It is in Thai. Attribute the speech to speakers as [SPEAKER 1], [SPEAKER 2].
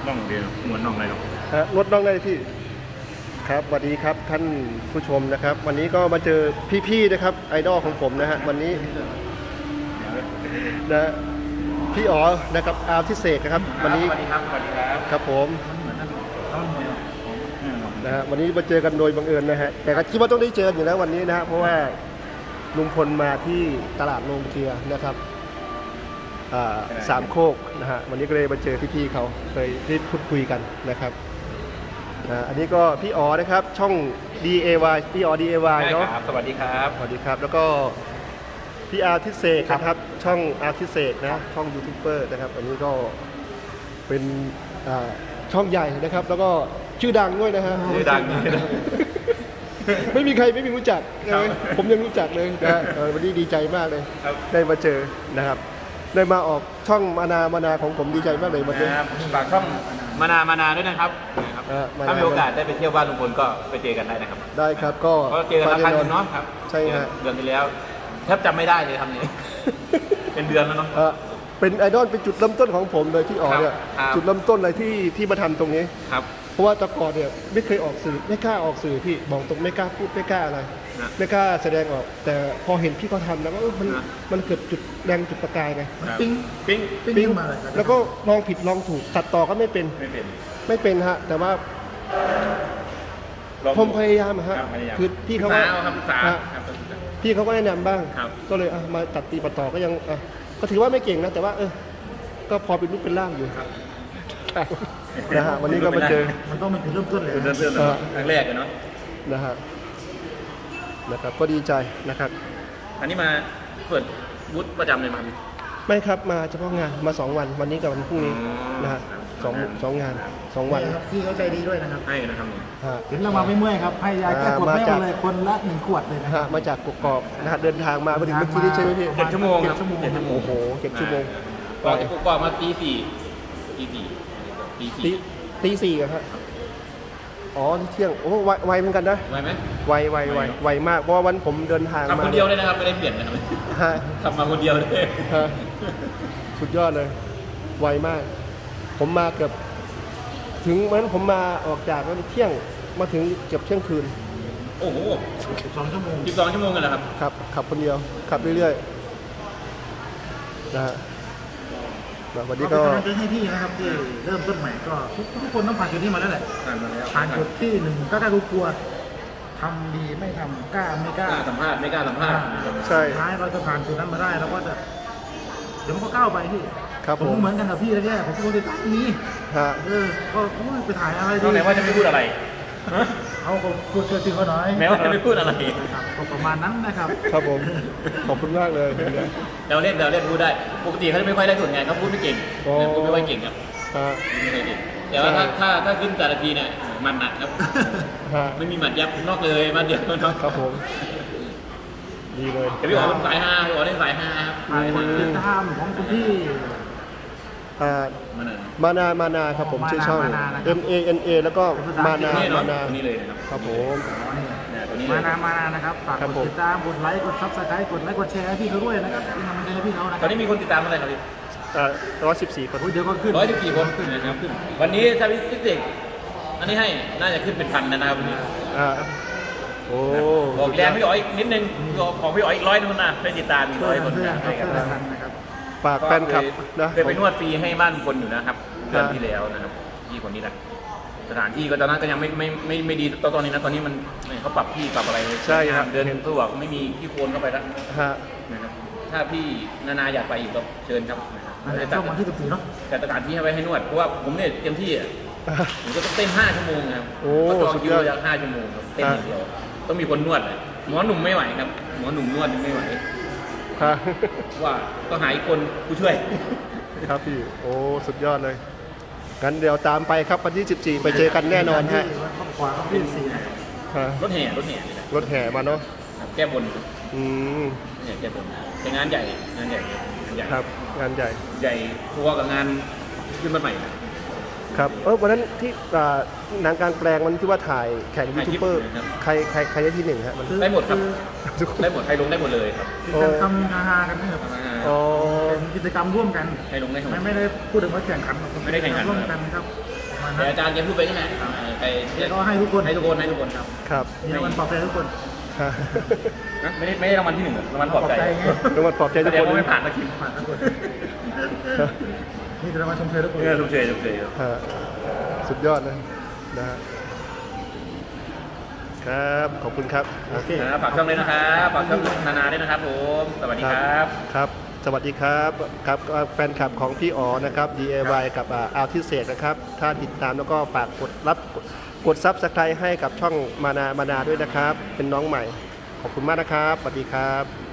[SPEAKER 1] น่องเดียวเหมือนน่องอะไรหรอก
[SPEAKER 2] รถน่องได้พี่ครับสวัสดีครับท่านผู้ชมนะครับวันนี้ก็มาเจอพี่ๆนะครับไอดอลของผมนะฮะวันนี้นะพี่อ๋อนะครับอาร์ทิเศษนะครับวันนี้
[SPEAKER 1] สวัสดีครับสวัสดีครับ
[SPEAKER 2] ครับผมนะฮะวันนี้มาเจอกันโดยบังเอิญนะฮะแต่ก็คิดว่าต้องได้เจออยู่แล้ววันนี้นะฮะเพราะว่าลุงพลมาที่ตลาดโรงเกลือนะครับสามโคกนะฮะวันนี้ก็เลยมาเจอพี่ๆเขาเคยได้พูดคุยกันนะครับอันนี้ก็พี่อ๋อนะครับช่อง DAY พี่อ๋อ DAY เนาะ
[SPEAKER 1] สวัสดีครับ
[SPEAKER 2] สวัสดีครับแล้วก็พี่อาร์ทิเศษนะครับช่องอาร์ทิเศษนะช่องยูทูบเบอร์นะครับอันนี้ก็เป็นช่องใหญ่นะครับแล้วก็ชื่อดังด้วยนะฮะ
[SPEAKER 1] ชื่อดัง
[SPEAKER 2] ไม่มีใครไม่มีรู้จักผมยังรู้จักเลยนะวันนี้ดีใจมากเลยได้มาเจอนะครับได้มาออกช่องมานาของผมดีใจมากเลยวันนี้
[SPEAKER 1] ฝากช่องมานาด้วยนะครับถ้ามีโอกาสได้ไปเที่ยวบ้านลุงพลก็ไปเจอกันได้นะครับ
[SPEAKER 2] ได้ครับก็
[SPEAKER 1] เจอกันครั้งนึงเนาะครับ
[SPEAKER 2] ใช่ฮะ
[SPEAKER 1] เดือนที่แล้วแทบจำไม่ได้เลยทำนี้เป็นเดือนแล้วเนาะ
[SPEAKER 2] เป็นไอดอลเป็นจุดเริ่มต้นของผมเลยที่ออกเนี่ยจุดเริ่มต้นเลยที่มาทำตรงนี้
[SPEAKER 1] ครับ
[SPEAKER 2] เพราะว่าแต่ก่อนเนี่ยไม่เคยออกสื่อไม่กล้าออกสื่อพี่บอกตรงไม่กล้าพูดไม่กล้าอะไรไม่กล้าแสดงออกแต่พอเห็นพี่เขาทำแล้วก็มันเกิดจุดแรงจุดประกายไง
[SPEAKER 1] ปิ้ง
[SPEAKER 2] มาเลยแล้วก็ลองผิดลองถูกตัดต่อก็ไม่เป็นฮะแต่ว่าผมพยายามฮะคือพี่เขาก็แนะนำบ้างก็เลยมาตัดตีปัดต่อก็ยังก็ถือว่าไม่เก่งนะแต่ว่าก็พอเป็นรูปเป็นร่างอยู่นะฮะวันนี้ก็มาเจอ
[SPEAKER 1] มันต้องเป็นจุดเริ่มต้นเลยเริ่มต้นครั้งแรกเลยเนาะ
[SPEAKER 2] นะครับก็ดีใจนะครับ
[SPEAKER 1] อันนี้มาเปิดบูธประจำเลยมั้ย
[SPEAKER 2] ไม่ครับมาเฉพาะงานมา2วันวันนี้กับวันพรุ่งนี้นะฮะสองงาน2วัน
[SPEAKER 3] พี่เขาใจดีด้วยนะครับ
[SPEAKER 1] ให้นะครับ
[SPEAKER 3] เห็นเรามาไม่เมื่อยครับให้ยาแก้ปวดแม่เลยคนละ1 ขวดเลยนะ
[SPEAKER 2] มาจากกกอกนะฮะเดินทางมาถึงเมื่อกี้นี้ใช่ไหมพี่
[SPEAKER 1] 7 ชั่วโมงครับ
[SPEAKER 2] โอ้โห7 ชั่วโมง
[SPEAKER 1] ออกจากกกอกมาตี 4
[SPEAKER 2] ตี 4ครับอ๋อที่เที่ยงโอ้ไวเหมือนกันนะ
[SPEAKER 1] ไวไหม
[SPEAKER 2] ไวมากเพราะว่าวันผมเดินทางมา
[SPEAKER 1] คนเดียวเลยนะครับไม่ได้เปลี่ยนนะครับขับมาคนเดียวเลย
[SPEAKER 2] สุดยอดเลยไวมากผมมาเกือบถึงวันผมมาออกจากเที่ยงมาถึงเกือบเที่ยงคืน
[SPEAKER 1] โอ้โห12 ชั่วโมงกันแล้ว
[SPEAKER 2] ครับขับคนเดียวขับเรื่อยๆนะฮะวันนี้ก็
[SPEAKER 3] จะให้พี่นะครับที่เริ่มต้นใหม่ก็ทุกคนต้องผ่านจุดนี้มาแล้วแหละผ่านจุดที่1ก็กลัวทำดีไม่ทำกล้าไม่กล้า
[SPEAKER 1] สัมภาษณ์ไม่กล้าสัมภาษณ์
[SPEAKER 2] ใช่
[SPEAKER 3] ท้ายเราจะผ่านจุดนั้นมาได้แล้วก็จะเดี๋ยวมันก็ก้าวไปพี่ผมเหมือนกันกับพี่แล้วแค่ผมก็จะตั้งนี้ก็ไปถ่ายอะไร
[SPEAKER 1] ดีไหนว่าจะไม่พูดอะไร
[SPEAKER 3] เขาพูดเชื่อถือเขาหน่อย
[SPEAKER 1] แม้ว่าจะไม่พูดอะไร
[SPEAKER 3] ประมาณนั้นนะครับ
[SPEAKER 2] ครับผมขอบคุณมากเลย
[SPEAKER 1] เราเล่นพูดได้ปกติเขาจะไม่ค่อยได้ส่วนไงเขาพูดไม่เก่งพูดไม่ค่อยเก่งครับไม่ค่อยเก่งแต่ว่าถ้าขึ้นแต่ละทีเนี่ยมันหนักครับไม่มีหมัดยับนอกเลยมาเดียว
[SPEAKER 2] นอกครับผมดีเลย
[SPEAKER 1] แต่พี่อ๋อเป็นสาย5พี่อ๋อเป็นสาย5ครับ
[SPEAKER 3] คนติดตามของคุณพี่
[SPEAKER 2] มานาครับผมชื่อช่อง MANA แล้วก็มานา
[SPEAKER 1] นี่เลยนะครับ
[SPEAKER 2] ครับผม
[SPEAKER 3] มานานะครับฝากกดติดตามกดไลค์กดซับสไครต์กดไลค์กดแชร์ให้พี่เขาด้วยนะครับที่ทำให้พี่เขานะ
[SPEAKER 1] ตอนนี้มีคนติดตามเท่าไหร่ครับพี่
[SPEAKER 2] 114 คน
[SPEAKER 3] เดี๋ยวก็ขึ้น
[SPEAKER 1] 114 คนนะครับวันนี้ถ้าพี่ติ๊กอันนี้ให้น่าจะขึ้นเป็น1,000นะครับวันนี้
[SPEAKER 2] โอ้
[SPEAKER 1] บอกแรงพี่อ๋ออีกนิดนึงของพี่อ๋ออีก100นึงนะให้ติดตามอีก100 คน
[SPEAKER 3] นะครับ
[SPEAKER 2] ฝากแฟนคลับนะ
[SPEAKER 1] เคยไปนวดฟรีให้บ้านคนอยู่นะครับเดือนที่แล้วนะครับที่คนนี้นะสถานที่ก็ตอนนั้นก็ยังไม่ดีตอนนี้นะตอนนี้มันเขาปรับที่ปรับอะไร
[SPEAKER 2] ใช่ครับ
[SPEAKER 1] เดินสะดวกไม่มีที่โคลนเข้าไปแล้วนะครับถ้าพี่นาอยากไปอีกก็เชิญครับ
[SPEAKER 3] ช่วงวันที่14เนาะ
[SPEAKER 1] แต่สถานที่ให้ไว้ให้นวดเพราะว่าผมเนี่ยเต็มที่ผมก็ต้องเต้น5 ชั่วโมงครับก็จองคิวระยะ5 ชั่วโมงครับเต้นอย่างเดียวต้องมีคนนวดเลยหมอหนุ่มไม่ไหวครับหมอหนุ่มนวดไม่ไหวว่าต้องหาอีกคนผู้ช่วย
[SPEAKER 2] ครับพี่โอ้สุดยอดเลยงั้นเดี๋ยวตามไปครับวันที่14ไปเจอกันแน่นอนฮะ
[SPEAKER 3] ขวาที่
[SPEAKER 1] รถแห่
[SPEAKER 2] มาเนาะ
[SPEAKER 1] แก้บนแก้บนเป็นงานใหญ่
[SPEAKER 2] ครับงานใ
[SPEAKER 1] หญ่ทัวร์กับงานขึ้นมาใหม่
[SPEAKER 2] ครับวันนั้นที่หนังกลางแปลงวันที่ว่าถ่ายแข่งยูทูบเบอร์ใครได้ที่1ฮะ
[SPEAKER 1] มันได้หมดครับได้หมดใครลงได้หมดเลยครับ
[SPEAKER 3] ทำฮากันนี่ครับเป็นกิจกรรมร่วมกัน
[SPEAKER 1] ให้ลงได้ทั้งหมด
[SPEAKER 3] ไม่ได้พูดถึงว่าแข่งขัน
[SPEAKER 1] ไม่ได้แข่งขัน
[SPEAKER 3] ร่วมกันครับ
[SPEAKER 1] แต่อาจารย์แกพูดไปนี่แหละไป
[SPEAKER 3] ก็ให้ทุกคน
[SPEAKER 1] ให้ทุกคนครับ
[SPEAKER 2] ครับ
[SPEAKER 3] มีรางวัลปลอบใจทุกคน
[SPEAKER 1] ไม่ได้รางวัลที่ 1รางวัลปลอบใจ
[SPEAKER 3] ไง
[SPEAKER 2] รางวัลปลอบใจทุก
[SPEAKER 1] แสด
[SPEAKER 2] ค
[SPEAKER 1] ง
[SPEAKER 2] น
[SPEAKER 1] ว่าไม่ผ่านตะคิม
[SPEAKER 3] ผ่านทุกคนนี่จะรางวัลชมเชยทุกคน
[SPEAKER 1] ชมเชยครับ
[SPEAKER 2] ฮะสุดยอดนะฮะครับขอบคุณครับ
[SPEAKER 3] โอเค
[SPEAKER 1] ฝากช่องเลยนะครับฝากช่องนาด้วยนะครับผมสวัสดีครับ
[SPEAKER 2] ครับสวัสดีครับครับแฟนคลับของพี่อ๋อนะครับ DIY กับอาร์ทิเศษนะครับถ้าติดตามแล้วก็ฝากกดซับสไครต์ให้กับช่องมานาด้วยนะครับ เป็นน้องใหม่ขอบคุณมากนะครับสวัสดีครับ